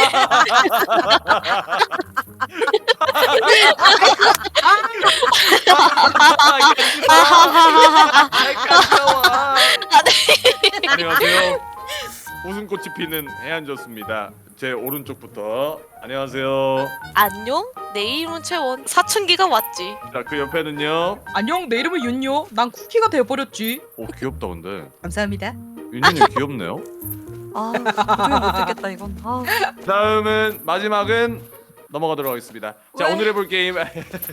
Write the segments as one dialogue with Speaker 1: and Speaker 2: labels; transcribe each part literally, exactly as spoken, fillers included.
Speaker 1: 안녕하세요. 웃음꽃이 피는 해안저수입니다. 제 오른쪽부터 안녕하세요.
Speaker 2: 안녕? 내 이름은 채원. 사춘기가 왔지.
Speaker 1: 자, 그 옆에는요.
Speaker 3: 안녕, 내 이름은 윤요. 난 쿠키가 되어버렸지.
Speaker 1: 오, 귀엽다 근데.
Speaker 3: 감사합니다.
Speaker 1: 윤현님 귀엽네요.
Speaker 4: 아, 도저히 못 듣겠다 이건. 아.
Speaker 1: 다음은 마지막은 넘어가도록 하겠습니다. 자,
Speaker 4: 왜?
Speaker 1: 오늘 해볼 게임
Speaker 4: 왜?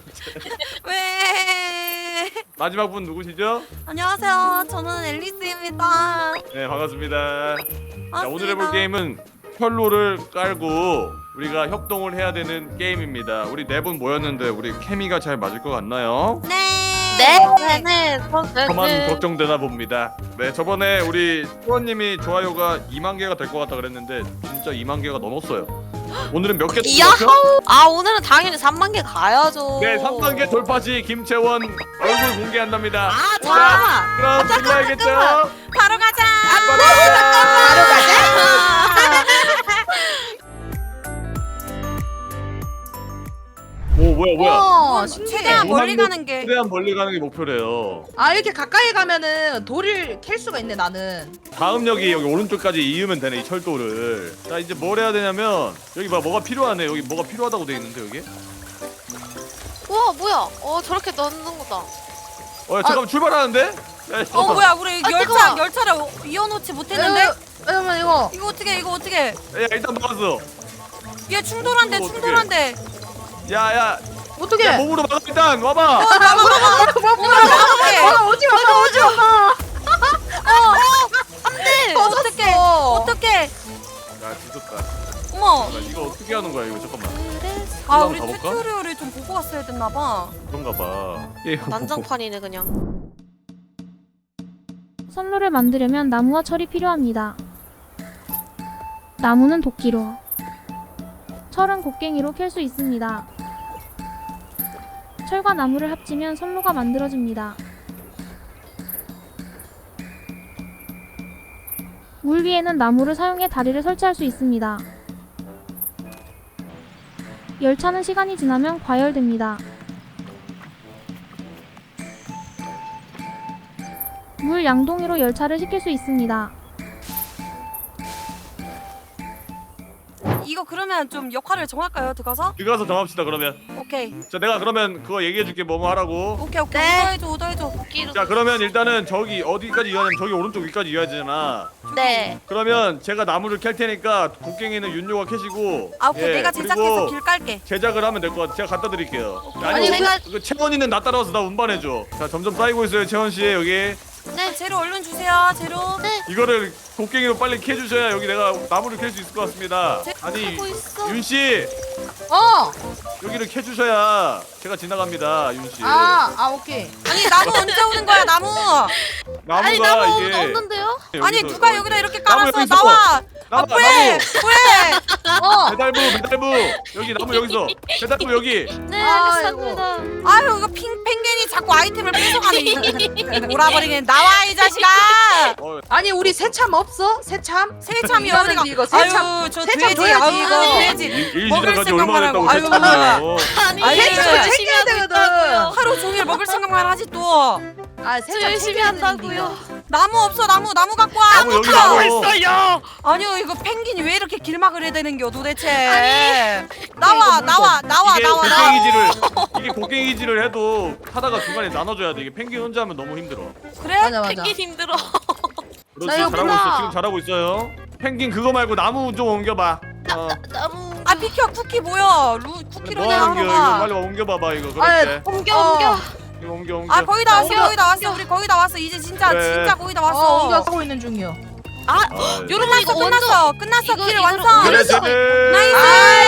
Speaker 1: 마지막 분 누구시죠?
Speaker 4: 안녕하세요. 저는 앨리스입니다.
Speaker 1: 네, 반갑습니다. 자,
Speaker 4: 반갑습니다.
Speaker 1: 오늘 해볼 게임은 혈로를 깔고 우리가 협동을 해야 되는 게임입니다. 우리 네 분 모였는데 우리 케미가 잘 맞을 것 같나요?
Speaker 4: 네.
Speaker 2: 네, 네, 네.
Speaker 1: 저만
Speaker 2: 네.
Speaker 1: 걱정되나 봅니다. 네, 저번에 우리 수원님이 좋아요가 이만 개가 될 것 같다 그랬는데 진짜 이만 개가 넘었어요. 오늘은 몇 개
Speaker 2: 야호!
Speaker 1: 넘었죠?
Speaker 2: 아, 오늘은 당연히 삼만 개 가야죠.
Speaker 1: 네, 삼만 개 돌파 시 김채원 얼굴 공개한답니다.
Speaker 4: 아,
Speaker 1: 자,
Speaker 4: 자.
Speaker 1: 그럼 불러야겠죠?
Speaker 4: 바로 가자.
Speaker 1: 바로 가자! 오, 뭐야 뭐야?
Speaker 3: 어,
Speaker 4: 최대한
Speaker 3: 신기해.
Speaker 4: 멀리 가는 게.
Speaker 1: 최대한 멀리 가는 게 목표래요.
Speaker 3: 아, 이렇게 가까이 가면은 돌을 캘 수가 있네, 나는.
Speaker 1: 다음 역이 여기 오른쪽까지 이으면 되네, 이 철도를. 자, 이제 뭘 해야 되냐면 여기 봐, 뭐가 필요하네. 여기 뭐가 필요하다고 돼 있는데 여기.
Speaker 2: 우와, 뭐야? 어, 저렇게 넣는 거다.
Speaker 1: 어, 야, 잠깐만 출발하는데? 야,
Speaker 4: 어
Speaker 1: 잠깐만.
Speaker 4: 뭐야 우리
Speaker 2: 아,
Speaker 4: 열차
Speaker 2: 뜨거워.
Speaker 4: 열차를 이어놓지 못했는데.
Speaker 3: 에, 잠깐만, 이거.
Speaker 4: 이거 어떻게 이거 어떻게?
Speaker 1: 야, 일단 막았어.
Speaker 4: 얘 충돌한데
Speaker 1: 이거
Speaker 4: 충돌한데.
Speaker 1: 야, 야,
Speaker 3: 어떻게?
Speaker 1: 야, 몸으로 막아 일단 와봐.
Speaker 4: 어 나가 나가. 오늘 나가게.
Speaker 3: 어, 오지 마, 오지 마.
Speaker 4: 안돼. 어떻게?
Speaker 3: 어.
Speaker 4: 어떻게?
Speaker 1: 야, 뒤졌다.
Speaker 4: 어머.
Speaker 1: 나 이거 어떻게 하는 거야 이거 잠깐만.
Speaker 2: 그래서
Speaker 4: 아
Speaker 1: 한번
Speaker 4: 우리
Speaker 1: 가볼까?
Speaker 4: 튜토리얼을 좀 보고 왔어야 됐나 봐.
Speaker 1: 그런가 봐. 예.
Speaker 2: 난장판이네 그냥.
Speaker 5: 선로를 만들려면 나무와 철이 필요합니다. 나무는 도끼로, 철은 곡괭이로 캘 수 있습니다. 철과 나무를 합치면 선로가 만들어집니다. 물 위에는 나무를 사용해 다리를 설치할 수 있습니다. 열차는 시간이 지나면 과열됩니다. 물 양동이로 열차를 식힐 수 있습니다.
Speaker 4: 이거 그러면 좀 역할을 정할까요? 들어가서?
Speaker 1: 들어가서 정합시다 그러면.
Speaker 4: 오케이.
Speaker 1: 자, 내가 그러면 그거 얘기해줄게 뭐뭐 하라고.
Speaker 4: 오케이 오케이.
Speaker 2: 네.
Speaker 4: 오더해줘 오더해줘.
Speaker 2: 도끼로.
Speaker 1: 자, 그러면 일단은 저기 어디까지 이어야냐면 저기 오른쪽 위까지 이어야 되잖아.
Speaker 2: 네.
Speaker 1: 그러면 제가 나무를 캘 테니까 곡괭이는 윤요가 캐시고.
Speaker 4: 아 오케이
Speaker 1: 예,
Speaker 4: 내가
Speaker 1: 그리고
Speaker 4: 제작해서 길 깔게.
Speaker 1: 제작을 하면 될 것 같아. 제가 갖다 드릴게요.
Speaker 2: 아니,
Speaker 1: 아니,
Speaker 2: 제가-
Speaker 1: 그, 그 채원이는 나 따라와서 나 운반해줘. 자, 점점 쌓이고 있어요, 채원 씨 여기.
Speaker 4: 네. 재료 얼른 주세요. 재료.
Speaker 2: 네.
Speaker 1: 이거를 곡괭이로 빨리 캐주셔야 여기 내가 나무를 캘 수 있을 것 같습니다.
Speaker 2: 제-
Speaker 1: 아니,
Speaker 2: 하고 있어.
Speaker 1: 윤 씨
Speaker 3: 어.
Speaker 1: 여기를 캐주셔야 제가 지나갑니다, 윤 씨.
Speaker 3: 아, 아, 오케이.
Speaker 4: 아니 나무 언제 오는 거야 나무?
Speaker 1: 나무가
Speaker 2: 아니 나무
Speaker 1: 이게
Speaker 2: 없는데요?
Speaker 4: 아니
Speaker 1: 여기서
Speaker 4: 누가
Speaker 1: 뭐
Speaker 4: 여기다 이렇게
Speaker 1: 나무
Speaker 4: 깔았어?
Speaker 1: 여기 있어.
Speaker 4: 나와.
Speaker 1: 나무,
Speaker 4: 아 왜?
Speaker 1: 나무.
Speaker 4: 왜?
Speaker 3: 어.
Speaker 1: 배달부, 배달부 여기 나무 여기서 배달부 여기.
Speaker 2: 네,
Speaker 3: 아이고.
Speaker 2: 알겠습니다.
Speaker 4: 아유 이거 핑 펭귄이 자꾸 아이템을 뺏어가네. 이- 몰아버리게 나와 이 자식아.
Speaker 1: 어,
Speaker 3: 아니, 우리 새참 없어? 새참?
Speaker 4: 새참이
Speaker 3: 이거는
Speaker 4: 어디가?
Speaker 3: 이거 새참.
Speaker 4: 아유 저
Speaker 3: 새참
Speaker 4: 돼지.
Speaker 3: 줘야지,
Speaker 4: 아유
Speaker 3: 이거.
Speaker 4: 돼지.
Speaker 1: 일
Speaker 4: 먹을
Speaker 1: 시작까지
Speaker 4: 생각만
Speaker 1: 얼마나
Speaker 4: 하고.
Speaker 1: 했다고
Speaker 4: 아유.
Speaker 1: 세참이에요.
Speaker 2: 아니,
Speaker 4: 아니,
Speaker 3: 새참을
Speaker 4: 열심히
Speaker 3: 챙겨야 되거든.
Speaker 4: 하루 종일 먹을 생각만 하지 또.
Speaker 3: 아,
Speaker 2: 저
Speaker 3: 새참
Speaker 2: 열심히
Speaker 3: 챙겨야
Speaker 2: 한다고요.
Speaker 3: 되는데,
Speaker 4: 나무 없어 나무 나무 갖고 와.
Speaker 1: 나무 여기 나무.
Speaker 4: 아니요 이거 펭귄이 왜 이렇게 길막을 해야 되는겨 도대체. 나와 나와 나와
Speaker 1: 이게
Speaker 4: 나와 나와.
Speaker 1: 곡괭이질을 이게 곡괭이질을 해도 하다가 중간에 나눠줘야 돼. 이게 펭귄 혼자 하면 너무 힘들어.
Speaker 4: 그래?
Speaker 3: 맞아, 맞아.
Speaker 2: 펭귄 힘들어.
Speaker 1: 그렇지,
Speaker 3: 나
Speaker 1: 잘하고
Speaker 3: 여기다.
Speaker 1: 있어. 지금 잘하고 있어요. 펭귄 그거 말고 나무 좀 옮겨봐. 어.
Speaker 2: 나무.
Speaker 4: 아 비켜 쿠키 뭐야? 루 쿠키로
Speaker 1: 뭐
Speaker 4: 내가
Speaker 1: 하는
Speaker 4: 하러
Speaker 1: 게 이거
Speaker 4: 가.
Speaker 1: 빨리 옮겨봐봐 이거.
Speaker 3: 아,
Speaker 1: 그렇지.
Speaker 2: 옮겨
Speaker 3: 어.
Speaker 2: 옮겨.
Speaker 1: 이거 옮겨 옮겨.
Speaker 4: 아 거의 다 왔어
Speaker 3: 옮겨.
Speaker 4: 거의 다 왔어 우리 거의 다 왔어 이제 진짜
Speaker 1: 그래.
Speaker 4: 진짜 거의 다
Speaker 3: 어,
Speaker 4: 왔어.
Speaker 3: 옮겨 하고 있는 중이요.
Speaker 2: 아,
Speaker 1: 아,
Speaker 4: 요런
Speaker 2: 이거
Speaker 4: 났어 끝났어 끝났어
Speaker 2: 이거-
Speaker 4: 길
Speaker 2: 이거를
Speaker 4: 완성.
Speaker 1: 그래,
Speaker 2: 그래서-
Speaker 1: 쟤는
Speaker 4: 나이스.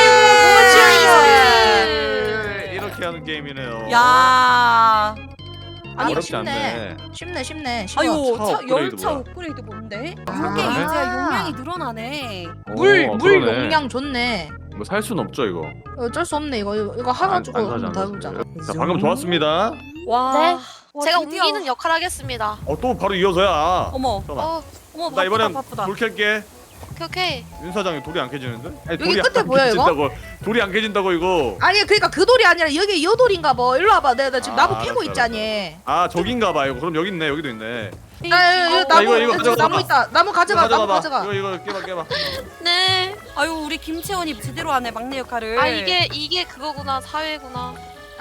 Speaker 1: 네, 이렇게 하는 게임이네요.
Speaker 4: 야.
Speaker 3: 아니,
Speaker 1: 어렵지
Speaker 3: 쉽네.
Speaker 1: 않네.
Speaker 3: 쉽네, 쉽네. 쉬워.
Speaker 4: 아이고
Speaker 1: 차
Speaker 4: 차,
Speaker 1: 업그레이드
Speaker 4: 열차
Speaker 1: 뭐야?
Speaker 4: 업그레이드 뭔데?
Speaker 1: 아,
Speaker 4: 이게
Speaker 1: 그러네?
Speaker 4: 이제 용량이 늘어나네.
Speaker 3: 물,
Speaker 1: 어,
Speaker 3: 물
Speaker 1: 그러네.
Speaker 3: 용량 좋네.
Speaker 1: 뭐 살 순 없죠 이거.
Speaker 3: 어쩔 수 없네. 이거 이거 해가지고
Speaker 1: 안, 안 사지,
Speaker 3: 한번 더
Speaker 1: 안
Speaker 3: 해보자.
Speaker 1: 사지. 자, 방금 좋았습니다.
Speaker 4: 와.
Speaker 2: 네.
Speaker 4: 와,
Speaker 2: 제가
Speaker 4: 드디어.
Speaker 2: 옮기는 역할 하겠습니다.
Speaker 1: 어, 또 바로 이어서야.
Speaker 4: 어머
Speaker 1: 잠깐만.
Speaker 2: 어,
Speaker 4: 어머
Speaker 1: 나
Speaker 4: 바쁘다
Speaker 1: 이번엔
Speaker 4: 바쁘다.
Speaker 1: 불 켤게.
Speaker 2: 오케이 오케이.
Speaker 1: 윤 사장이 돌이 안 깨지는데? 아니,
Speaker 3: 여기
Speaker 1: 돌이
Speaker 3: 끝에
Speaker 1: 안
Speaker 3: 보여, 이거?
Speaker 1: 깨진다고. 돌이 안 깨진다고 이거.
Speaker 3: 아니 그러니까 그 돌이 아니라 여기 여 돌인가 봐. 일로 와봐. 내가 나 지금
Speaker 1: 아,
Speaker 3: 나무 캐고
Speaker 1: 알았어,
Speaker 3: 있자니.
Speaker 1: 아 저긴가 봐 이거. 그럼 여기 있네. 여기도 있네.
Speaker 3: 아, 여기, 여기 나무
Speaker 1: 이거, 이거
Speaker 3: 여기
Speaker 1: 가져가
Speaker 3: 나무
Speaker 1: 봐.
Speaker 3: 있다. 나무 가져가.
Speaker 1: 이거
Speaker 3: 나무
Speaker 1: 가져가봐.
Speaker 3: 가져가.
Speaker 1: 이거 이거 깨봐 깨봐.
Speaker 2: 네.
Speaker 4: 아유 우리 김채원이 제대로 하네 막내 역할을.
Speaker 2: 아 이게 이게 그거구나 사회구나.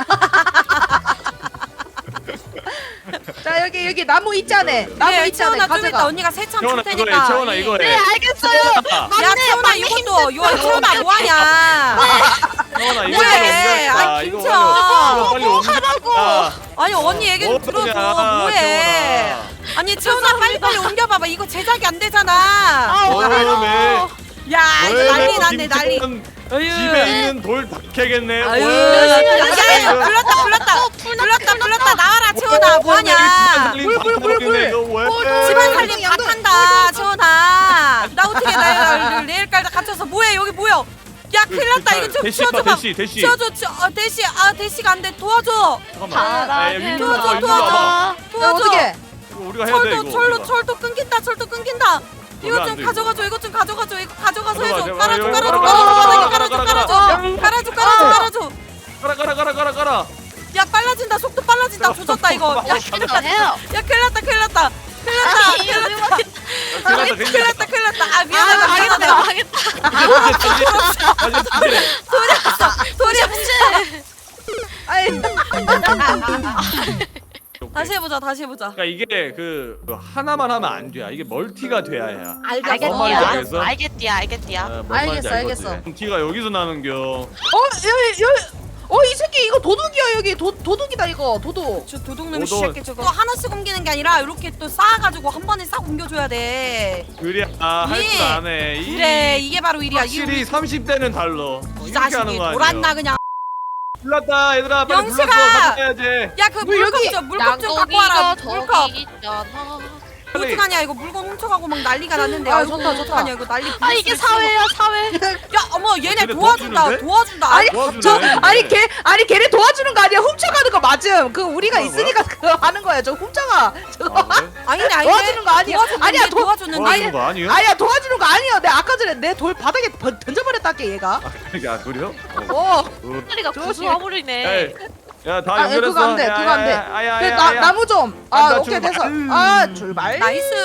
Speaker 3: 자 여기 여기 나무 있자네.
Speaker 1: 그래,
Speaker 3: 나무
Speaker 4: 그래
Speaker 3: 있자네.
Speaker 4: 채원아 좀 이따
Speaker 3: 가져가.
Speaker 4: 언니가 세참 줄
Speaker 1: 채원아 이거해.
Speaker 4: 테니까.
Speaker 1: 채원아 이거해.
Speaker 2: 네 알겠어요.
Speaker 4: 야 채원아 이것도 요 채원아 뭐하냐?
Speaker 1: 채원아 이거
Speaker 4: 뭐해?
Speaker 1: 이거
Speaker 4: 아,
Speaker 1: 이거
Speaker 4: 김채원.
Speaker 1: 빨리 옮겨. 하라고.
Speaker 4: 아니 언니 얘기 좀 들어줘. 뭐해? 아니 채원아 빨리 빨리 옮겨봐봐. 이거 제작이 안 되잖아.
Speaker 1: 오메.
Speaker 4: 야 이거 난리 났네 난리. 아유.
Speaker 1: 집에 있는 돌 다 캐겠네.
Speaker 4: 아유,
Speaker 1: 왜?
Speaker 4: 야, 야, 야, 불렀다, 불렀다, 불렀다, 불렀다, 나와라, 채원아, 뭐하냐?
Speaker 1: 물, 물, 물, 물.
Speaker 4: 집안 살림 다 탄다, 채원아. 나 어떻게 나 내일까지 갇혀서 뭐해? 여기 뭐야? 야, 큰일 났다. 이거 좀
Speaker 1: 대시
Speaker 4: 치워줘봐.
Speaker 1: 대시 대시.
Speaker 4: 치워줘, 치- 어, 대시, 아, 대시가 안 돼. 도와줘,
Speaker 1: 잠깐만. 아, 윤
Speaker 4: 도와줘,
Speaker 1: 와봐, 윤
Speaker 4: 도와줘,
Speaker 1: 와봐.
Speaker 3: 야,
Speaker 4: 도와줘.
Speaker 3: 어떻게?
Speaker 1: 이거 우리가 해야 돼
Speaker 4: 철도,
Speaker 1: 이거.
Speaker 4: 철로,
Speaker 1: 우리가.
Speaker 4: 철도 끊긴다, 철도 끊긴다. 이거
Speaker 1: 왜안
Speaker 4: 좀
Speaker 1: 돼,
Speaker 4: 가져가줘, 이거 좀 가져가줘, 이거 가져가서 해줘.
Speaker 1: 가져가,
Speaker 4: 깔아줘,
Speaker 1: 이거,
Speaker 4: 깔아줘,
Speaker 1: 이거,
Speaker 4: 깔아줘,
Speaker 1: 깔아,
Speaker 4: 깔아줘,
Speaker 1: 깔아,
Speaker 4: 깔아줘,
Speaker 1: 깔아.
Speaker 4: 깔아줘, 깔아줘, 깔아줘.
Speaker 1: 가라 가라 가라 가라 가라.
Speaker 4: 야 빨라진다 속도 빨라진다 조졌다 이거 야 큰일 났다
Speaker 2: 해요.
Speaker 4: 야 큰일 났다 큰일 났다 큰일 났다 큰일 났다
Speaker 1: 큰일 났다
Speaker 4: 큰일 났다 큰일 났다 아
Speaker 2: 아
Speaker 4: 미안하다
Speaker 2: 망했다
Speaker 4: 미안하다
Speaker 2: 망했다.
Speaker 1: 다시 다시.
Speaker 4: 소리 없이
Speaker 3: 아이
Speaker 4: 다시 해보자 다시 해보자
Speaker 1: 그러니까 이게 그 하나만 하면 안 돼. 이게 멀티가 돼야 해.
Speaker 3: 알겠어.
Speaker 1: 뭔 말인지
Speaker 2: 알겠디야.
Speaker 1: 알겠어?
Speaker 2: 알겠디야 알겠디야.
Speaker 1: 아, 뭔 말인지
Speaker 3: 알겠어,
Speaker 1: 알겠지? 티가 여기서 나는겨.
Speaker 3: 어 여기 여기. 어 이 새끼 이거 도둑이야 여기 도 도둑이다 이거 도둑.
Speaker 4: 저 도둑놈이
Speaker 1: 도둑.
Speaker 4: 시작해 저거 또 하나씩 옮기는 게 아니라 이렇게 또 쌓아가지고 한 번에 싹 옮겨줘야 돼
Speaker 1: 그래 아할
Speaker 4: 이-
Speaker 1: 줄 아네. 이-
Speaker 4: 그래 이게 바로 일이야 이게
Speaker 1: 확실히 삼십 대는 달러.
Speaker 4: 이
Speaker 1: 이렇게 하는
Speaker 4: 자식이
Speaker 1: 거 아니야?
Speaker 4: 돌았나 그냥
Speaker 1: 불났다 얘들아 빨리
Speaker 4: 영식아!
Speaker 1: 불렀어 가져가야지.
Speaker 4: 야그
Speaker 3: 물
Speaker 4: 물컵
Speaker 3: 여기
Speaker 4: 좀 물컵 좀 갖고 와라
Speaker 2: 양고기가
Speaker 4: 물컵
Speaker 2: 저기 있잖아.
Speaker 4: 어떡하냐 이거 물건 훔쳐가고 막 난리가 났는데
Speaker 3: 아,
Speaker 4: 아이고,
Speaker 3: 좋다, 좋다.
Speaker 4: 어떡하냐 이거 난리
Speaker 2: 아 이게
Speaker 4: 부르스
Speaker 2: 사회야 사회.
Speaker 4: 야 어머 얘네
Speaker 1: 쟤네
Speaker 4: 도와준다
Speaker 1: 도와주는데?
Speaker 4: 도와준다
Speaker 3: 아니
Speaker 1: 도와주네.
Speaker 3: 저 아니 걔 아니 걔를 도와주는 거 아니야 훔쳐가는 거 맞음. 그 우리가
Speaker 1: 뭐야,
Speaker 3: 있으니까 그거 하는 거야. 저 훔쳐가. 저거
Speaker 1: 아, 그래?
Speaker 4: 아니네 아니네
Speaker 3: 도와주는 거 아니야.
Speaker 4: 도와줬는데
Speaker 3: 아니야, 도-
Speaker 4: 도와줬는데
Speaker 1: 도와주는 거 아니에요?
Speaker 3: 아니야 도와주는 거 아니야. 내가 아까 전에 내 돌 바닥에 번- 던져버렸다게 얘가.
Speaker 1: 아 그러니까 그래요?
Speaker 3: 어.
Speaker 1: 어.
Speaker 2: 소리가
Speaker 3: 저기-
Speaker 2: 구수화물이네.
Speaker 1: 야다
Speaker 3: 아,
Speaker 1: 연결했어.
Speaker 3: 그거 안 돼, 그거 안 돼. 그 나, 나무 좀. 아,
Speaker 1: 나
Speaker 3: 오케이
Speaker 1: 출발.
Speaker 3: 됐어. 아, 출발.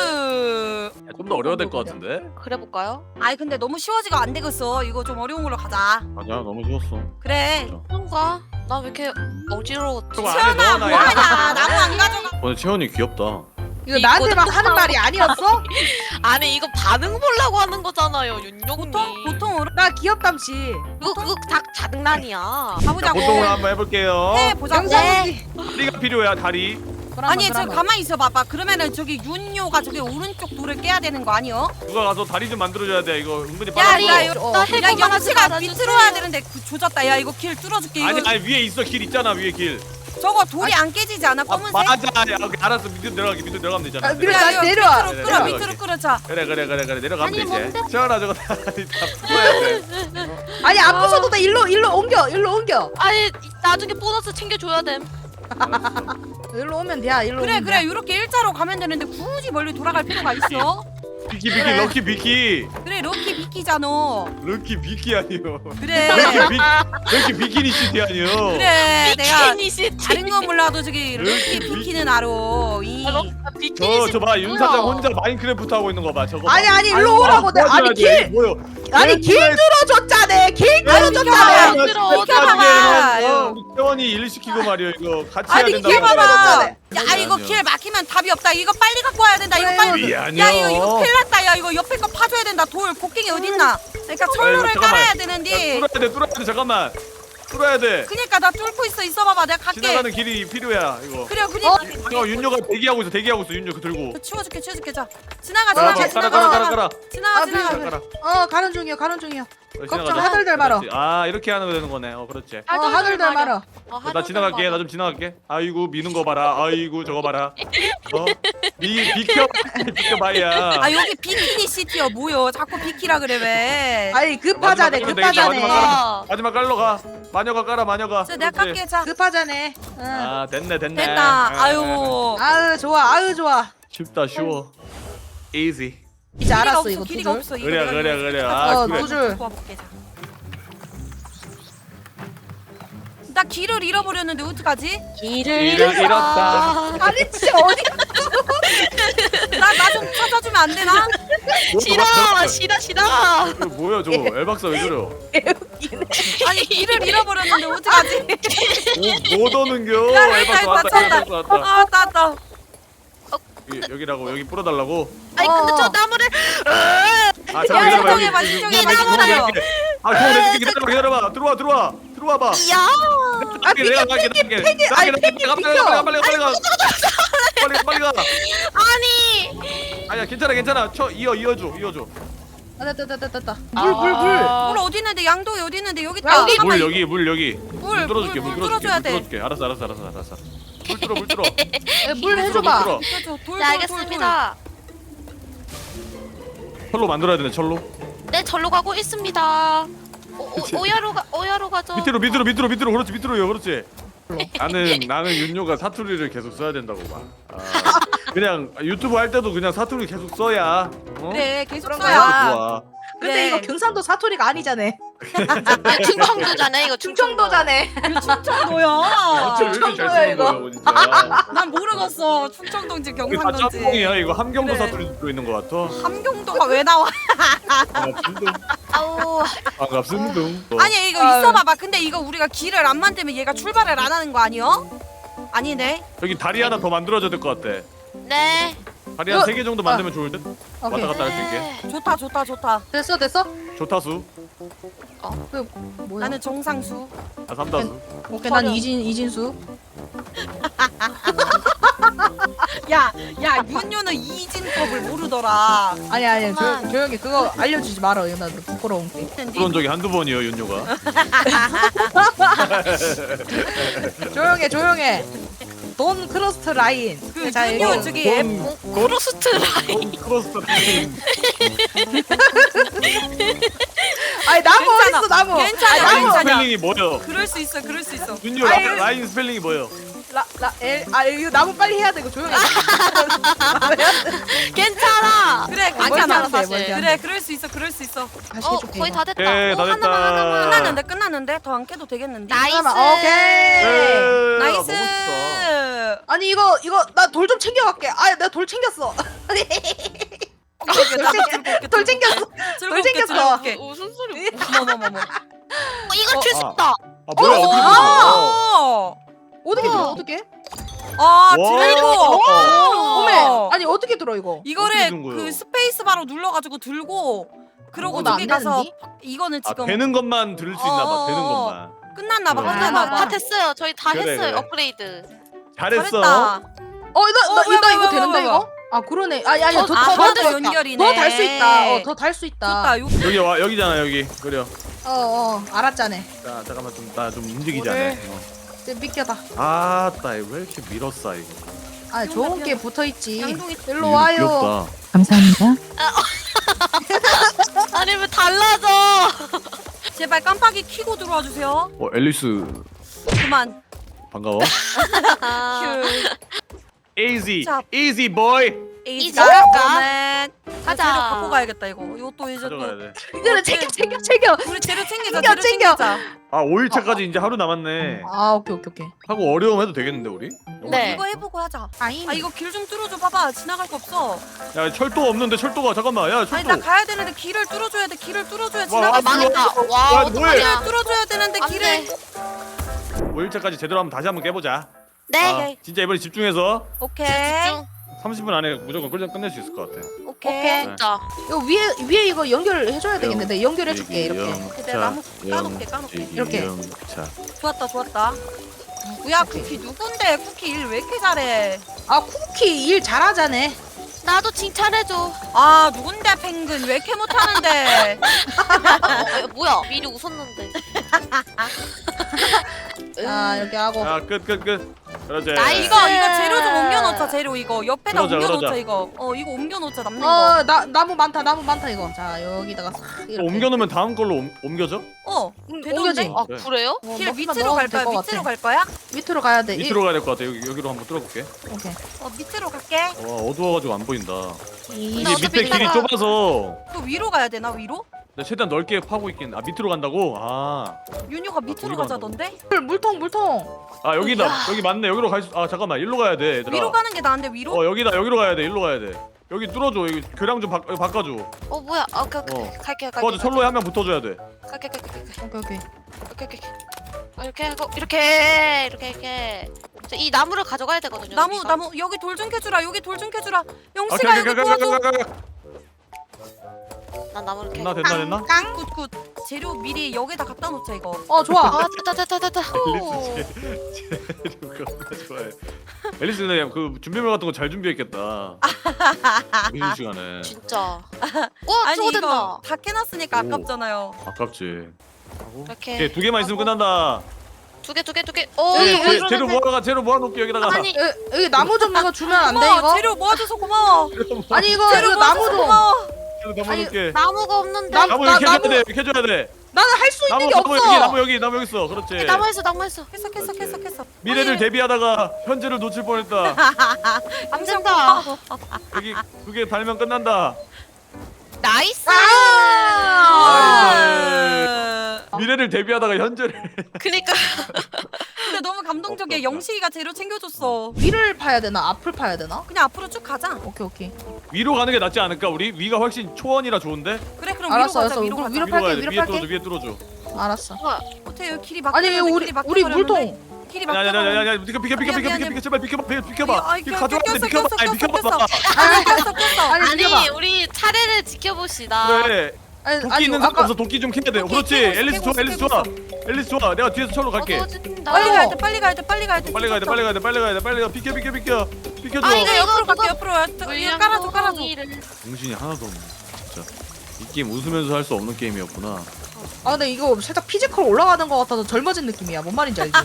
Speaker 4: 나이스
Speaker 1: 좀 더 어려워야 될 것 같은데?
Speaker 2: 그래 볼까요?
Speaker 4: 아이 근데 너무 쉬워지가 안 되겠어 이거 좀 어려운 걸로 가자
Speaker 1: 맞아 너무 쉬웠어.
Speaker 4: 그래
Speaker 2: 뭔가 나 왜 이렇게 어지러웠지?
Speaker 1: 저거 안에
Speaker 4: 채원아
Speaker 1: 넣어놔야
Speaker 4: 뭐하냐 나무 안 가져가
Speaker 1: 오늘 채원이 귀엽다.
Speaker 3: 이거 나한테 막 하는 말이 아니었어?
Speaker 2: 아니 이거 반응 보려고 하는 거잖아요 윤용님.
Speaker 4: 보통 보통으로
Speaker 3: 나 귀엽담씨.
Speaker 2: 그거 그거 다 장난이야.
Speaker 1: 자
Speaker 4: 가보자고
Speaker 1: 보통으로 한번 해볼게요.
Speaker 4: 네 보자고
Speaker 3: 영상이.
Speaker 1: 다리가 필요해 다리.
Speaker 4: 아니 저 가만히 있어 봐봐 그러면은 저기 윤요가 저기 오른쪽 돌을 깨야 되는 거 아니요?
Speaker 1: 누가 가서 다리 좀 만들어줘야 돼. 이거 은근히
Speaker 4: 야,
Speaker 1: 빨라.
Speaker 4: 야, 요-
Speaker 3: 어.
Speaker 2: 나
Speaker 4: 야
Speaker 2: 해고
Speaker 4: 영치가 밑으로 와야 되는데 그, 조졌다 야 이거 길 뚫어줄게 이거
Speaker 1: 아니 아니 위에 있어 길 있잖아 위에 길.
Speaker 4: 저거 돌이 안 깨지지 않아
Speaker 1: 아
Speaker 4: 검은색?
Speaker 1: 맞아. 야, 오케이, 알았어 밑으로 내려가게 밑으로 내려가면 되잖아.
Speaker 3: 아, 그래,
Speaker 4: 야,
Speaker 3: 나
Speaker 4: 이거
Speaker 3: 내려와.
Speaker 4: 밑으로 끌어
Speaker 1: 내려와.
Speaker 4: 밑으로 끌어 자
Speaker 1: 그래 그래 그래 그래 내려가면
Speaker 2: 아니,
Speaker 1: 되지.
Speaker 2: 뭔데?
Speaker 1: 채원아 저거 다리 다 풀어야 돼.
Speaker 3: 아니 안 부숴도 돼. 일로 일로 옮겨. 일로 옮겨.
Speaker 2: 아니 나중에 보너스 챙겨줘야 됨.
Speaker 1: 알았어.
Speaker 3: 일로 오면 돼. 일로
Speaker 4: 그래
Speaker 3: 오면
Speaker 4: 그래
Speaker 3: 돼.
Speaker 4: 이렇게 일자로 가면 되는데 굳이 멀리 돌아갈 필요가 있어?
Speaker 1: 비키 비키
Speaker 3: 그래.
Speaker 1: 럭키 비키.
Speaker 4: 그래 럭키 비키잖아
Speaker 1: 럭키 비키 아니요.
Speaker 4: 그래
Speaker 1: 럭키 비 럭키 비키니 시티 아니요.
Speaker 4: 그래 내가
Speaker 2: 비키니 시티.
Speaker 4: 다른 건 몰라도 저기 럭키 비키는 알아 이
Speaker 2: 아, 비키니
Speaker 1: 저
Speaker 2: 시티.
Speaker 1: 저 봐 윤
Speaker 2: 뭐야?
Speaker 1: 사장 혼자 마인크래프트 하고 있는 거 봐. 저거. 봐.
Speaker 3: 아니 아니 일로 오라고 내 아니 길
Speaker 1: 뭐요?
Speaker 3: 아니 길 들어줬잖아. 길
Speaker 4: 아니,
Speaker 3: 들어줬잖아.
Speaker 4: 비켜봐.
Speaker 2: 들어.
Speaker 4: 비켜봐봐.
Speaker 1: 어, 우리 태원이 일 시키고 말이야 이거 같이 해야
Speaker 4: 아니
Speaker 1: 된다.
Speaker 4: 길 봐봐
Speaker 3: 들어줬잖아.
Speaker 4: 야 이거 길 막히면 답이 없다 이거 빨리 갖고 와야 된다 이거
Speaker 3: 그래요.
Speaker 4: 빨리
Speaker 1: 미안해요.
Speaker 4: 야 이거 이거 큰일 났다 야 이거 옆에 거 파줘야 된다 돌 곡괭이 어딨나 그러니까 철로를
Speaker 1: 잠깐만.
Speaker 4: 깔아야 되는데
Speaker 1: 뚫어야 돼 뚫어야 돼 잠깐만. 뚫어야 돼.
Speaker 4: 그니까 나 뚫고 있어 있어 봐봐 내가 갈게
Speaker 1: 지나가는 길이 필요야 이거.
Speaker 4: 그래 그니까
Speaker 1: 어 윤녀가 대기하고 있어 대기하고 있어 윤녀 그 들고.
Speaker 4: 치워줄게 치워줄게 자 지나가
Speaker 1: 가라
Speaker 4: 지나가
Speaker 1: 가라 가라 가라
Speaker 4: 지나가
Speaker 1: 가라.
Speaker 4: 지나가
Speaker 3: 아,
Speaker 4: 지나가
Speaker 1: 가라.
Speaker 3: 어 가는 중이야. 가는 중이야.
Speaker 1: 어,
Speaker 3: 걱정
Speaker 1: 지나가자.
Speaker 3: 하들들 말어.
Speaker 1: 그렇지. 아 이렇게 하는 거 되는 거네. 어 그렇지.
Speaker 3: 어 하들들 말어.
Speaker 2: 어,
Speaker 1: 어, 나 지나갈게. 나 좀 지나갈게. 아이고 미는 거 봐라. 아이고 저거 봐라. 어? 미 비켜 비켜봐야.
Speaker 4: 아 여기 비키니 시티야 뭐여 자꾸 비키라 그래 왜
Speaker 3: 아니 급하자네.
Speaker 1: 마지막 깔면 되겠다,
Speaker 3: 급하자네.
Speaker 1: 마지막 깔아. 마지막 깔러 가. 마녀가 깔아 마녀가.
Speaker 4: 자 내가
Speaker 1: 그렇지.
Speaker 4: 갈게 자
Speaker 3: 급하자네. 응.
Speaker 1: 아 됐네 됐네.
Speaker 4: 됐다
Speaker 1: 아,
Speaker 4: 아유
Speaker 3: 아유 좋아. 아유 좋아.
Speaker 1: 쉽다 쉬워. easy.
Speaker 3: 이제 알았어
Speaker 4: 없어,
Speaker 3: 이거
Speaker 4: 길이가
Speaker 3: 두 줄.
Speaker 4: 없어. 이거
Speaker 1: 그래
Speaker 4: 내가
Speaker 1: 그래
Speaker 4: 이거
Speaker 1: 그래.
Speaker 3: 어,
Speaker 1: 아 그래.
Speaker 3: 두 줄.
Speaker 4: 도와볼게. 자. 나 길을 잃어버렸는데 어떡하지?
Speaker 2: 길을
Speaker 1: 길을 잃었다.
Speaker 3: 아니 진짜 어디?
Speaker 4: 나 나 좀 찾아주면 안 되나?
Speaker 2: 싫어 싫어 싫어.
Speaker 1: 이거 뭐야 저거? 엘박사 왜 저래요?
Speaker 4: 아니 길을 잃어버렸는데 어떡하지?
Speaker 1: 오, 못 오는겨.
Speaker 4: 야,
Speaker 1: 엘박사
Speaker 4: 이거
Speaker 1: 왔다.
Speaker 4: 맞췄다.
Speaker 1: 엘박사 왔다.
Speaker 4: 아 왔다 왔다.
Speaker 1: 여기, 여기라고 여기 뿌려달라고.
Speaker 2: 아니 근데 저 나무를
Speaker 1: 아
Speaker 4: 야,
Speaker 1: 잠깐 기다려봐.
Speaker 4: 신청해봐,
Speaker 1: 여기,
Speaker 4: 신청해봐,
Speaker 1: 여기,
Speaker 4: 신청해봐.
Speaker 1: 여기, 여기. 아 형, 내줄게. 기다려봐 기다려봐. 들어와 들어와 들어와 봐.
Speaker 2: 야.
Speaker 3: 아
Speaker 1: 내가
Speaker 3: 비켜
Speaker 1: 갈게
Speaker 3: 비켜
Speaker 1: 갈게.
Speaker 3: 비켜. 아니
Speaker 1: 빨리
Speaker 3: 비켜
Speaker 1: 가 빨리 가 빨리 가 빨리 가 빨리 가. 빨리 빨리 가.
Speaker 2: 아니.
Speaker 1: 아니야 괜찮아 괜찮아. 쳐 이어 이어줘 이어줘.
Speaker 3: 아 됐다 됐다 됐다. 물 물 물.
Speaker 4: 물 어디 있는데 양동이 어디 있는데 여기 있다.
Speaker 3: 여기.
Speaker 1: 물 여기 물 여기.
Speaker 4: 물,
Speaker 1: 물 뚫어줄게
Speaker 4: 물,
Speaker 1: 물
Speaker 4: 물
Speaker 1: 뚫어줄게
Speaker 4: 뚫어줘야
Speaker 1: 물
Speaker 4: 돼.
Speaker 1: 뚫어줄게. 알았어 알았어 알았어 알았어. 물 뚫어 물 뚫어.
Speaker 3: 에, 물
Speaker 1: 물
Speaker 3: 해줘봐.
Speaker 1: 뚫어.
Speaker 4: 저, 돌,
Speaker 2: 네
Speaker 4: 돌, 돌,
Speaker 2: 알겠습니다.
Speaker 1: 철로 만들어야 되네 철로.
Speaker 2: 네 절로 가고 있습니다. 오,
Speaker 1: 그치.
Speaker 2: 오, 오야로 가 오야로 가죠.
Speaker 1: 밑으로 밑으로 밑으로 밑으로 그렇지 밑으로요 그렇지. 나는 나는 윤요가 사투리를 계속 써야 된다고 봐. 아, 그냥 유튜브 할 때도 그냥 사투리 계속 써야. 어?
Speaker 4: 그래 계속
Speaker 3: 그런
Speaker 1: 그래서
Speaker 4: 써야.
Speaker 1: 좋아.
Speaker 3: 근데
Speaker 4: 그래.
Speaker 3: 이거 경상도 사투리가 아니잖아.
Speaker 2: 네, 충청도잖아 이거 충청도.
Speaker 3: 충청도잖아.
Speaker 4: 충청도야.
Speaker 1: 사투리 왜 이렇게 잘
Speaker 3: 충청도야,
Speaker 1: 쓰는
Speaker 3: 이거.
Speaker 1: 거야 진짜.
Speaker 4: 난 모르겠어. 충청도인지
Speaker 1: 이게 다
Speaker 4: 경상도인지.
Speaker 1: 짬뽕이야 이거 함경도
Speaker 4: 그래.
Speaker 1: 사투리 들어 있는 것 같아.
Speaker 4: 함경도가 왜 나와?
Speaker 1: 반갑습니다.
Speaker 2: 아우.
Speaker 1: 반갑습니다.
Speaker 4: 아니 이거
Speaker 3: 아유.
Speaker 4: 있어봐봐. 근데 이거 우리가 길을 안 만들면 얘가 출발을 안 하는 거 아니요? 아니네.
Speaker 1: 여기 다리 하나 더 만들어줘야 될 것 같아.
Speaker 2: 네.
Speaker 1: 다리 한
Speaker 3: 어,
Speaker 1: 세 개 정도 만들면 좋을 듯.
Speaker 3: 오케이.
Speaker 1: 왔다 갔다 할 수
Speaker 2: 네.
Speaker 1: 있게.
Speaker 4: 좋다 좋다 좋다.
Speaker 3: 됐어 됐어?
Speaker 1: 조타수,
Speaker 3: 그 뭐야?
Speaker 4: 나는 정상수.
Speaker 1: 아 삼다수.
Speaker 3: 오케이 난 이진 이진수.
Speaker 4: 야, 야 윤효는 이진법을 모르더라.
Speaker 3: 아니 아니 조,
Speaker 2: 엄마.
Speaker 3: 조용히 그거 알려주지 말아. 이거 나 부끄러운 게.
Speaker 1: 그런 적이 한두 번이에요 윤요가.
Speaker 3: 조용해 조용해. 돈 크로스트 라인.
Speaker 4: 그
Speaker 3: 자,
Speaker 4: 윤효
Speaker 3: 이거.
Speaker 4: 저기 앱
Speaker 1: 돈
Speaker 2: 크로스트 라인.
Speaker 1: 돈 크로스 라인.
Speaker 3: 아니 나무
Speaker 4: 괜찮아.
Speaker 3: 어딨어 나무.
Speaker 4: 괜찮아,
Speaker 3: 아니,
Speaker 1: 라인
Speaker 3: 나무.
Speaker 4: 괜찮아.
Speaker 1: 스펠링이 뭐예요?
Speaker 4: 그럴 수 있어, 그럴 수 있어.
Speaker 1: 윤요 라,
Speaker 3: 아유.
Speaker 1: 라인 스펠링이 뭐예요?
Speaker 3: 라라엘아 이거 나무 빨리 해야 돼 이거 조용히.
Speaker 2: 괜찮아.
Speaker 4: 그래,
Speaker 3: 멀티
Speaker 4: 괜찮아.
Speaker 3: 안 돼,
Speaker 2: 사실.
Speaker 3: 멀티 안 돼.
Speaker 4: 그래, 그럴 수 있어, 그럴 수 있어.
Speaker 3: 다시
Speaker 2: 어
Speaker 3: 해줄게.
Speaker 2: 거의
Speaker 3: 이거.
Speaker 2: 다 됐다.
Speaker 1: 오케이,
Speaker 2: 오,
Speaker 1: 다
Speaker 2: 하나만
Speaker 1: 됐다.
Speaker 2: 하나만.
Speaker 4: 끝났는데, 끝났는데 더 안 캐도 되겠는데.
Speaker 2: 나이스.
Speaker 3: 잠깐만, 오케이.
Speaker 1: 예,
Speaker 4: 나이스.
Speaker 1: 먹고 싶다.
Speaker 3: 아니 이거 이거 나 돌 좀 챙겨갈게. 아 나 돌 챙겼어. 돌 챙겼어. 돌 챙겼어.
Speaker 2: 무슨 소리?
Speaker 4: 어머머머머.
Speaker 2: 어, 이거 줄 수
Speaker 3: 어,
Speaker 2: 있다.
Speaker 1: 아 뭐야
Speaker 3: 어,
Speaker 1: 어떻게
Speaker 3: 어.
Speaker 1: 됐어?
Speaker 3: 어떻게
Speaker 2: 우와.
Speaker 3: 들어 어떻게?
Speaker 4: 아,
Speaker 1: 와.
Speaker 4: 들고.
Speaker 3: 어메 아니 어떻게 들어 이거?
Speaker 1: 어떻게
Speaker 4: 이거를
Speaker 1: 든 거예요?
Speaker 4: 그 스페이스 바로 눌러가지고 들고 그러고
Speaker 3: 어, 나안
Speaker 4: 저기 가서
Speaker 3: 되는데?
Speaker 4: 이거는
Speaker 1: 아
Speaker 4: 지금
Speaker 1: 되는 것만 들을 수 있나 봐. 되는
Speaker 4: 어.
Speaker 1: 것만.
Speaker 4: 끝났나 봐.
Speaker 1: 그래.
Speaker 4: 끝났나 봐.
Speaker 2: 다 됐어요. 저희 다
Speaker 1: 그래,
Speaker 2: 했어요.
Speaker 1: 그래.
Speaker 2: 업그레이드.
Speaker 1: 잘했어.
Speaker 4: 잘했다.
Speaker 3: 어나 나
Speaker 4: 어, 뭐야,
Speaker 3: 이거
Speaker 4: 뭐야,
Speaker 3: 이거
Speaker 4: 뭐야,
Speaker 3: 되는데
Speaker 4: 뭐야.
Speaker 3: 이거? 아 그러네. 아니 아니
Speaker 2: 더-
Speaker 3: 더
Speaker 2: 아,
Speaker 3: 더
Speaker 2: 더도
Speaker 3: 더
Speaker 4: 연결이네.
Speaker 3: 더 달 수 있다. 어 더 달 수 있다.
Speaker 4: 좋다. 요
Speaker 1: 여기 와 여기잖아 여기. 그래요.
Speaker 3: 어어 알았잖아.
Speaker 1: 자 잠깐만 좀 나 좀 움직이자.
Speaker 3: 뭐를?
Speaker 1: 어.
Speaker 3: 이제 믿겨다.
Speaker 1: 아따 이거 왜 이렇게 밀었어 이거.
Speaker 3: 아 좋은 게 붙어 있지.
Speaker 4: 양동이
Speaker 3: 일로
Speaker 1: 이거
Speaker 3: 와요.
Speaker 1: 귀엽다.
Speaker 5: 감사합니다.
Speaker 2: 아니 왜 달라져?
Speaker 4: 제발 깜빡이 켜고 들어와 주세요.
Speaker 1: 어 앨리스
Speaker 4: 그만.
Speaker 1: 반가워.
Speaker 2: 아,
Speaker 4: 큐.
Speaker 1: easy
Speaker 4: 자.
Speaker 1: easy boy.
Speaker 2: 이제
Speaker 4: 자,
Speaker 2: 갈까?
Speaker 4: 그러면
Speaker 2: 가자.
Speaker 4: 재료 갖고 가야겠다 이거. 이것도 이제
Speaker 1: 가져가야
Speaker 4: 또
Speaker 1: 돼.
Speaker 3: 이거를 챙겨 챙겨 챙겨.
Speaker 4: 우리 재료 챙기자.
Speaker 3: 챙겨,
Speaker 4: 재료
Speaker 3: 챙겨.
Speaker 4: 챙기자.
Speaker 1: 아 오 일차까지 이제 하루 남았네.
Speaker 3: 아 오케이 오케이 오케이.
Speaker 1: 하고 어려움 해도 되겠는데 우리?
Speaker 2: 네.
Speaker 4: 이거 해보고 하자.
Speaker 3: 아임.
Speaker 4: 아 이거 길 좀 뚫어줘 봐봐. 지나갈 거 없어.
Speaker 1: 야 철도 없는데 철도가 잠깐만 야
Speaker 4: 아니
Speaker 1: 철도.
Speaker 4: 나 가야 되는데 길을 뚫어줘야 돼. 길을 뚫어줘야
Speaker 1: 와,
Speaker 4: 지나갈
Speaker 1: 아,
Speaker 4: 수 있어.
Speaker 2: 망했다.
Speaker 1: 야,
Speaker 2: 와
Speaker 1: 뭐해?
Speaker 2: 어떡하냐?
Speaker 4: 길을 뚫어줘야 되는데
Speaker 2: 안
Speaker 4: 길을.
Speaker 2: 돼.
Speaker 1: 오 일차까지 제대로 한번 다시 한번 깨보자.
Speaker 2: 네.
Speaker 1: 아, 진짜 이번에 집중해서
Speaker 4: 오케이.
Speaker 2: 집중.
Speaker 1: 삼십 분 안에 무조건 끝내, 끝낼 수 있을 것 같아.
Speaker 4: 오케이.
Speaker 3: 오케이.
Speaker 2: 진짜.
Speaker 3: 이거 위에 위에 이거 연결해줘야 되겠는데 연결해줄게 이렇게.
Speaker 4: 내가 나무 까놓게, 까놓게.
Speaker 3: 이렇게.
Speaker 1: 자,
Speaker 4: 좋았다 좋았다. 누구야 쿠키 누군데 쿠키 일 왜 이렇게 잘해?
Speaker 3: 아 쿠키 일 잘하자네.
Speaker 2: 나도 칭찬해줘.
Speaker 4: 아 누군데 펭귄 왜 이렇게 못하는데?
Speaker 2: 어, 뭐야? 미리 웃었는데.
Speaker 3: 자 이렇게 하고.
Speaker 1: 자, 끝, 끝, 끝. 그렇지.
Speaker 2: 나이스.
Speaker 4: 이거 이거 재료 좀 옮겨놓자 재료 이거 옆에다
Speaker 1: 그러자,
Speaker 4: 옮겨놓자
Speaker 1: 그러자.
Speaker 4: 이거. 어 이거 옮겨놓자 남는 거.
Speaker 3: 어, 나 나무 많다. 나무 많다 이거. 자, 여기다가 싹 이렇게.
Speaker 1: 옮겨놓으면 다음 걸로 옮, 옮겨져?
Speaker 4: 어
Speaker 3: 옮겨지.
Speaker 4: 되던데?
Speaker 2: 아
Speaker 1: 그래.
Speaker 2: 그래요?
Speaker 3: 어,
Speaker 4: 길
Speaker 3: 뭐
Speaker 4: 밑으로
Speaker 3: 넣어도
Speaker 4: 갈
Speaker 3: 될
Speaker 4: 거야?
Speaker 3: 것
Speaker 4: 밑으로
Speaker 3: 같아.
Speaker 4: 갈 거야?
Speaker 3: 밑으로 가야 돼.
Speaker 1: 밑으로 가야 될 것 같아. 여기 여기로 한번 뚫어볼게.
Speaker 3: 이, 오케이.
Speaker 4: 어 밑으로 갈게.
Speaker 1: 와 어두워가지고 안 보인다.
Speaker 3: 이,
Speaker 1: 이게
Speaker 2: 어차피
Speaker 1: 밑에 길이
Speaker 2: 이따가-
Speaker 1: 좁아서
Speaker 4: 그 위로 가야 되나 위로?
Speaker 1: 내가 최대한 넓게 파고 있긴. 아 밑으로 간다고? 아,
Speaker 4: 윤효가 밑으로
Speaker 1: 거기로
Speaker 4: 가자던데?
Speaker 3: 물, 물통 물통.
Speaker 1: 아 여기다. 여기 맞네. 여기로 갈 수. 아 잠깐만. 일로 가야 돼. 얘들아.
Speaker 4: 위로 가는 게 나은데 위로?
Speaker 1: 어 여기다. 여기로 가야 돼. 일로 가야 돼. 여기 뚫어줘. 여기 교량 좀 바, 여기 바꿔줘.
Speaker 2: 어 뭐야? 아, 오케이 오케이.
Speaker 1: 어.
Speaker 2: 갈게 갈게.
Speaker 1: 도와줘. 철로에 한 명 붙어줘야 돼.
Speaker 2: 갈게 갈게 갈게.
Speaker 3: 오케이 오케이.
Speaker 2: 오케이 오케이. 어, 이렇게 하고 이렇게 이렇게 이렇게. 저 이 나무를 가져가야 되거든요.
Speaker 4: 나무
Speaker 2: 우리가.
Speaker 4: 나무 여기 돌 좀 캐주라 여기 돌 좀 캐주라
Speaker 1: 오케이
Speaker 4: 영씨가
Speaker 1: 오케이
Speaker 4: 여기
Speaker 1: 오케이
Speaker 4: 도와줘.
Speaker 1: 오케이 오케이.
Speaker 2: 난 나무를 캐.
Speaker 1: 됐나 됐나 됐나?
Speaker 4: 굿굿 재료 미리 여기다 갖다 놓자 이거.
Speaker 3: 어, 좋아.
Speaker 2: 아 됐다 됐다 됐다.
Speaker 1: 앨리스 제 재료가 얼마나 좋아해. 앨리스 그냥 그 준비물 같은 거 잘 준비했겠다. 이 시간에.
Speaker 2: 진짜. 와
Speaker 4: 아니
Speaker 2: 저거
Speaker 4: 이거
Speaker 2: 된다.
Speaker 4: 다 캐놨으니까
Speaker 1: 오.
Speaker 4: 아깝잖아요.
Speaker 1: 아깝지. 하고.
Speaker 2: 이렇게.
Speaker 1: 오케이 두 개만 있으면 끝난다.
Speaker 2: 두 개 두 개 두 개. 오
Speaker 1: 예,
Speaker 2: 이거
Speaker 1: 재-
Speaker 2: 이러는데.
Speaker 1: 재료 모아가 재료 모아놓게 여기다가.
Speaker 2: 아니
Speaker 3: 여기, 여기 나무 좀 이거 주면 안 돼
Speaker 4: 고마워
Speaker 3: 이거?
Speaker 4: 재료 모아줘서 고마워.
Speaker 3: 아니 이거
Speaker 4: 재료
Speaker 3: 이거 나무
Speaker 4: 모아줘서
Speaker 3: 좀.
Speaker 4: 고마워.
Speaker 1: 재료 담아놓게.
Speaker 2: 나무가 없는데.
Speaker 3: 나-
Speaker 1: 나무
Speaker 3: 나-
Speaker 1: 여기 캐줘야
Speaker 3: 나무-
Speaker 1: 돼. 여기 캐줘야 돼.
Speaker 3: 나는 할 수 있는
Speaker 1: 나무
Speaker 3: 게
Speaker 1: 나무
Speaker 3: 없어.
Speaker 1: 여기 나무 여기 나무 여기 있어. 그렇지.
Speaker 2: 나무 했어 나무 했어.
Speaker 4: 캐서 캐서 캐서 캐서.
Speaker 1: 미래를 대비하다가 현재를 놓칠 뻔했다.
Speaker 2: 안 된다.
Speaker 1: 여기 두 개 달면 끝난다.
Speaker 2: 나이스.
Speaker 3: 아!
Speaker 4: 아.
Speaker 1: 미래를 대비하다가 현재를.
Speaker 2: 그니까.
Speaker 4: 근데 너무 감동적이야.
Speaker 1: 없다, 없다.
Speaker 4: 영식이가 재료 챙겨줬어.
Speaker 3: 위를 파야 되나? 앞을 파야 되나?
Speaker 4: 그냥 앞으로 쭉 가자.
Speaker 3: 오케이 오케이.
Speaker 1: 위로 가는 게 낫지 않을까? 우리 위가 훨씬 초원이라 좋은데.
Speaker 4: 그래 그럼
Speaker 3: 알았어,
Speaker 4: 위로 가자.
Speaker 3: 알았어.
Speaker 4: 위로
Speaker 3: 그럼
Speaker 4: 가자.
Speaker 3: 위로
Speaker 1: 위로 가야
Speaker 3: 팔게,
Speaker 1: 돼.
Speaker 3: 위로
Speaker 1: 위에
Speaker 3: 팔게.
Speaker 1: 뚫어줘. 위에 뚫어줘.
Speaker 3: 알았어.
Speaker 4: 어때 여기 길이
Speaker 3: 아니
Speaker 4: 막혀버렸는데
Speaker 3: 우리
Speaker 4: 길이
Speaker 3: 우리
Speaker 4: 막혀버렸는데.
Speaker 3: 물통.
Speaker 4: 길이
Speaker 1: 야야야야야
Speaker 4: 막혀버렸는데.
Speaker 1: 비켜 비켜 비켜 비켜
Speaker 4: 미안,
Speaker 1: 비켜
Speaker 4: 미안.
Speaker 1: 비켜 비켜 비켜 비켜봐.
Speaker 4: 아이,
Speaker 1: 이거
Speaker 4: 꼈어,
Speaker 1: 가져와야 돼.
Speaker 4: 꼈어,
Speaker 1: 비켜봐.
Speaker 4: 꼈어,
Speaker 1: 아니
Speaker 4: 꼈어,
Speaker 1: 비켜봐.
Speaker 4: 꼈어.
Speaker 3: 아니
Speaker 4: 꼈어 꼈어.
Speaker 3: 아니
Speaker 2: 아니
Speaker 3: 비켜봐.
Speaker 2: 우리 차례를 지켜봅시다.
Speaker 1: 그래.
Speaker 3: 아니
Speaker 1: 도끼
Speaker 3: 아니
Speaker 1: 있는 사람
Speaker 3: 아까
Speaker 1: 없어. 도끼 좀 캐야 돼.
Speaker 4: 도끼
Speaker 1: 그렇지.
Speaker 4: 캐고 있어,
Speaker 1: 앨리스
Speaker 4: 캐고
Speaker 1: 좋아.
Speaker 4: 있어,
Speaker 1: 앨리스
Speaker 4: 캐고
Speaker 1: 좋아.
Speaker 4: 있어.
Speaker 1: 앨리스 좋아. 내가 뒤에서 철로 갈게.
Speaker 2: 어두워진다.
Speaker 4: 빨리 가야 돼 빨리 가야 돼 빨리 가야 돼.
Speaker 1: 빨리 가야 돼. 빨리 가야 돼. 빨리 가야 돼. 빨리 가. 비켜 비켜 비켜. 비켜줘.
Speaker 2: 아,
Speaker 4: 이거 옆으로
Speaker 2: 이거,
Speaker 4: 갈게 옆으로. 이거 깔아줘 깔아줘.
Speaker 1: 정신이 하나도 없네. 진짜. 이 게임 웃으면서 할 수 없는 게임이었구나.
Speaker 3: 아 근데 이거 살짝 피지컬 올라가는 것 같아서 젊어진 느낌이야. 뭔 말인지 알지?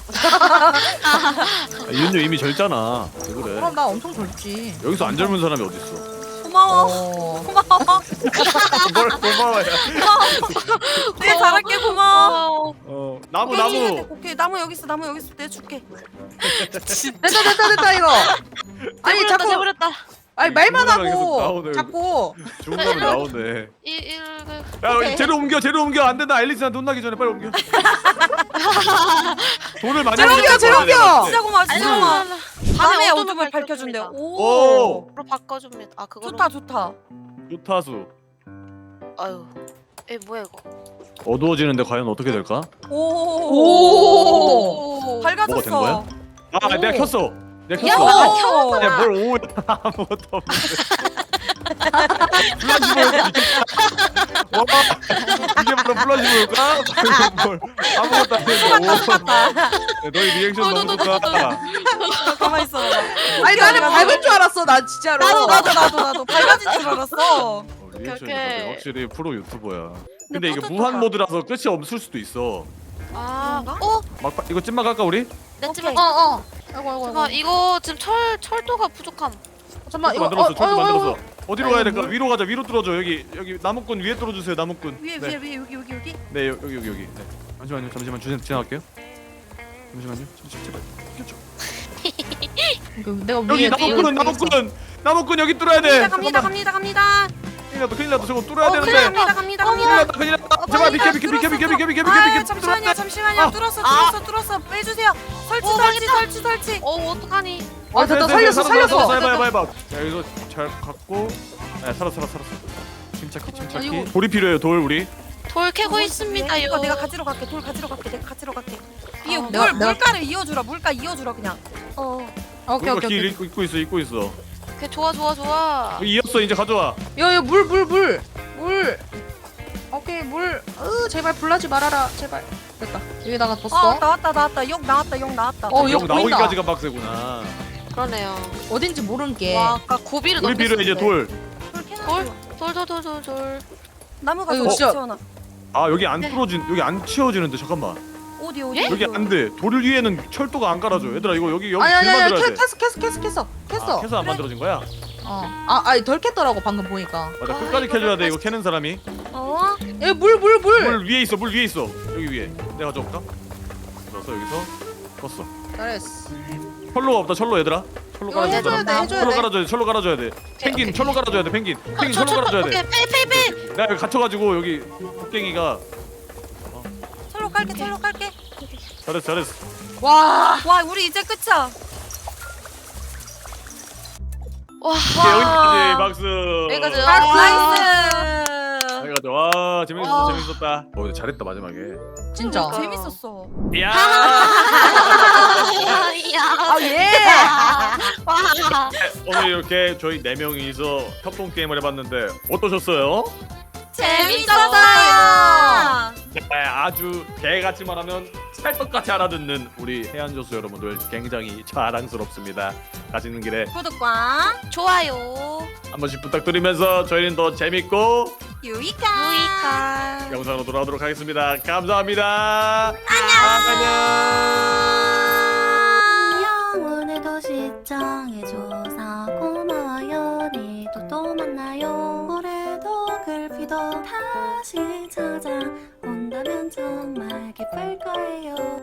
Speaker 1: 아, 윤유 이미 젊잖아. 왜 그래?
Speaker 3: 그럼 나 엄청 젊지.
Speaker 1: 여기서 안 젊은 사람이 어딨어?
Speaker 4: 고마워.
Speaker 3: 어.
Speaker 4: 고마워.
Speaker 1: 뭘 고마워요.
Speaker 4: 네 잘할게 고마워.
Speaker 1: 어 나무
Speaker 4: 오케이,
Speaker 1: 나무.
Speaker 4: 오케이 나무 여기 있어 나무 여기 있어 내가 줄게.
Speaker 3: 됐다 됐다 됐다 이거. 아니
Speaker 2: 내버렸다
Speaker 3: 자꾸
Speaker 2: 내버렸다.
Speaker 3: 아니 말만
Speaker 1: 중간에 계속
Speaker 3: 하고
Speaker 1: 나오네.
Speaker 3: 자꾸
Speaker 1: 중간에 나오네.
Speaker 2: 이 이.
Speaker 1: 야
Speaker 3: 오케이.
Speaker 1: 재료 옮겨 재료 옮겨 안 된다. 앨리스한테 혼나기 전에 빨리 옮겨. 돈을 많이
Speaker 3: 재료 옮겨,
Speaker 1: 벌어야
Speaker 3: 재료
Speaker 1: 돼,
Speaker 3: 옮겨!
Speaker 1: 내가
Speaker 4: 진짜 고마워 진짜
Speaker 1: 음.
Speaker 4: 고마워. 밤에
Speaker 2: 어둠을
Speaker 4: 어둠을
Speaker 2: 밝혀줍니다.
Speaker 4: 밝혀준대. 오.
Speaker 1: 오
Speaker 2: 로 바꿔줍니다. 아 그거.
Speaker 4: 좋다 좋다.
Speaker 1: 좋다수.
Speaker 2: 아유. 에 뭐야 이거?
Speaker 1: 어두워지는데 과연 어떻게 될까?
Speaker 4: 오.
Speaker 3: 오.
Speaker 2: 오.
Speaker 4: 밝아졌어.
Speaker 1: 뭐가 된 거야? 아
Speaker 3: 오.
Speaker 1: 내가 켰어. 내가
Speaker 2: 야,
Speaker 1: 켰어.
Speaker 4: 오.
Speaker 1: 야뭘 오 아무것도 없는데. 플라시볼 와 이게 바로 플라시볼까? 뭘 아무것도 안 했는데. 너희 리액션 너무 좋다.
Speaker 4: 가만 있어.
Speaker 3: 아니 나는 밝을 줄 알았어 나 진짜로.
Speaker 4: 나도 나도 나도 나도 밝아진 줄 알았어.
Speaker 1: 어, 리액션이
Speaker 2: 오케이.
Speaker 1: 다르네. 확실히 프로 유튜버야.
Speaker 4: 근데
Speaker 1: 근데 이게
Speaker 4: 뿌듯하다.
Speaker 1: 무한 모드라서 끝이 없을 수도 있어.
Speaker 2: 아.
Speaker 4: 그런가?
Speaker 2: 어?
Speaker 1: 막 바- 이거 찐막 할까 우리?
Speaker 2: 냈지만.
Speaker 4: 오케이.
Speaker 3: 어어. 아이고 아이고
Speaker 2: 잠깐
Speaker 3: 아이고.
Speaker 2: 이거 지금 철 철도가 부족함.
Speaker 3: 잠깐만 이거
Speaker 1: 만들었어.
Speaker 3: 어,
Speaker 1: 철도
Speaker 3: 어, 어,
Speaker 1: 만들었어.
Speaker 3: 어.
Speaker 1: 어디로 가야 될까? 위로 가자. 위로 뚫어줘. 여기 여기 나무꾼 위에 뚫어주세요. 나무꾼.
Speaker 4: 위에
Speaker 1: 네.
Speaker 4: 위에 위에 여기 여기 여기.
Speaker 1: 네 여- 여기 여기 여기. 네. 잠시만요. 잠시만 주 지나갈게요. 잠시만요. 잠시 제발. 비켜줘.
Speaker 3: 이거 내가
Speaker 1: 여기
Speaker 3: 위에
Speaker 1: 나무꾼은 나무꾼. 나무꾼 여기 뚫어야 돼.
Speaker 4: 갑니다 갑니다 갑니다.
Speaker 1: 큰일 났다. 큰일 났다. 저거 뚫어야
Speaker 4: 어 큰일
Speaker 1: 되는데.
Speaker 4: 납니다 갑니다
Speaker 1: 큰일
Speaker 4: 갑니다.
Speaker 1: 났다. 큰일 났다. 제발 비켜 비켜 비켜 비켜 비켜 비켜 비켜
Speaker 4: 아
Speaker 1: 비켜.
Speaker 4: 잠시만요 잠시만요
Speaker 1: 아.
Speaker 4: 뚫었어
Speaker 2: 아.
Speaker 4: 뚫었어 뚫었어 빼주세요. 설치
Speaker 2: 오,
Speaker 4: 설치
Speaker 2: 망했다.
Speaker 4: 설치 설치.
Speaker 2: 어 어떡하니?
Speaker 3: 아 됐다 살렸어 살렸어.
Speaker 1: 해봐 해봐 해봐. 자 여기서 잘 갖고. 네 살았어 살았어 살았어. 침착히 침착히.
Speaker 3: 아이고.
Speaker 1: 돌이 필요해요. 돌 우리.
Speaker 2: 돌 캐고 있습니다.
Speaker 4: 이거 내가 가지러 갈게 돌 가지러 갈게 내가 가지러 갈게. 이
Speaker 2: 아,
Speaker 4: 물
Speaker 3: 내가- 내가-
Speaker 4: 물가를 이어주라 물가 이어주라 그냥.
Speaker 2: 어.
Speaker 3: 오케이
Speaker 1: 우리가
Speaker 3: 오케이
Speaker 1: 길
Speaker 3: 오케이.
Speaker 1: 입고 입고 있어 입고 있어.
Speaker 2: 오케이 좋아 좋아 좋아.
Speaker 1: 여기 이었어 이제 가져와.
Speaker 3: 여기 물 물 물 물. 오케이 물. 으 제발 불나지 말아라 제발. 됐다. 여기다가
Speaker 4: 어
Speaker 3: 뒀어.
Speaker 4: 나왔다 나왔다 역 나왔다 역 나왔다.
Speaker 3: 어,
Speaker 1: 영
Speaker 3: 여기 보인다.
Speaker 1: 나오기까지가 빡세구나.
Speaker 2: 그러네요.
Speaker 3: 어딘지 모르는 게.
Speaker 2: 와 아까 고비를
Speaker 1: 우리 필요해 이제 돌.
Speaker 4: 돌 캐놔.
Speaker 2: 돌? 돌돌돌돌돌.
Speaker 4: 나무
Speaker 3: 아이고,
Speaker 4: 가져
Speaker 3: 진짜.
Speaker 4: 채워놔.
Speaker 1: 아 여기 안
Speaker 2: 네.
Speaker 1: 뚫어진 여기 안 치워지는데 잠깐만.
Speaker 4: 어디 어디?
Speaker 2: 예?
Speaker 1: 여기 안 돼. 돌 위에는 철도가 안 깔아줘. 얘들아 이거 여기 여기
Speaker 3: 아니 아니
Speaker 1: 길
Speaker 3: 아니
Speaker 1: 만들어야
Speaker 3: 캐,
Speaker 1: 돼.
Speaker 3: 캐스 캐스 캐스 캐스 캐스.
Speaker 1: 아, 캐서 안 만들어진 거야?
Speaker 3: 어. 아 아니 덜 캤더라고 방금 보니까.
Speaker 1: 맞아
Speaker 2: 아,
Speaker 1: 끝까지
Speaker 2: 이거
Speaker 1: 캐줘야 돼. 이거
Speaker 2: 끝까지.
Speaker 1: 캐는 사람이.
Speaker 4: 어?
Speaker 3: 에물 물 물.
Speaker 1: 물 위에 있어. 물 위에 있어. 여기 위에. 내가 가져올까? 그래서 여기서 껐어.
Speaker 3: 잘했어.
Speaker 1: 철로가 없다. 철로 얘들아. 철로
Speaker 3: 이거
Speaker 1: 깔아줘.
Speaker 3: 해줘야 돼 해줘야
Speaker 1: 철로
Speaker 3: 돼.
Speaker 1: 깔아줘야 돼. 철로 깔아줘야 돼. 펭귄 철로 깔아줘야 돼. 펭귄. 펭귄
Speaker 2: 저,
Speaker 1: 철로
Speaker 2: 저,
Speaker 1: 깔아줘야
Speaker 2: 오케이
Speaker 1: 돼.
Speaker 2: 빼빼빼.
Speaker 1: 내가 여기 갇혀가지고 여기 곡괭이가
Speaker 4: 철로 깔게 철로 깔게.
Speaker 1: 잘했어 잘했어.
Speaker 3: 와.
Speaker 4: 와 우리 이제 끝이야.
Speaker 2: 와.
Speaker 1: 오케이, 여기까지 박수.
Speaker 2: 여기까지.
Speaker 4: 나이스.
Speaker 1: 여기까지. 와 재밌었어
Speaker 2: 와.
Speaker 1: 재밌었다. 어 근데 잘했다 마지막에.
Speaker 3: 진짜.
Speaker 2: 그러니까.
Speaker 4: 재밌었어.
Speaker 1: 야.
Speaker 2: 이야.
Speaker 3: 아 예.
Speaker 2: 와.
Speaker 1: 오늘 이렇게 저희 네 명이서 협동 게임을 해봤는데 어떠셨어요?
Speaker 4: 재밌었어요.
Speaker 1: 네, 아주 개같이 말하면 찰떡같이 알아듣는 우리 해안조수 여러분들 굉장히 자랑스럽습니다. 가시는 길에
Speaker 4: 구독과
Speaker 2: 좋아요.
Speaker 1: 한 번씩 부탁드리면서 저희는 더 재밌고
Speaker 4: 유익한
Speaker 2: 유익한.
Speaker 1: 영상으로 돌아오도록 하겠습니다. 감사합니다. 안녕.
Speaker 6: 오늘도 시청해줘서 고마워요. 내일도 또 만나요. 올해도 글피도 다시 찾아온다면 정말 기쁠 거예요.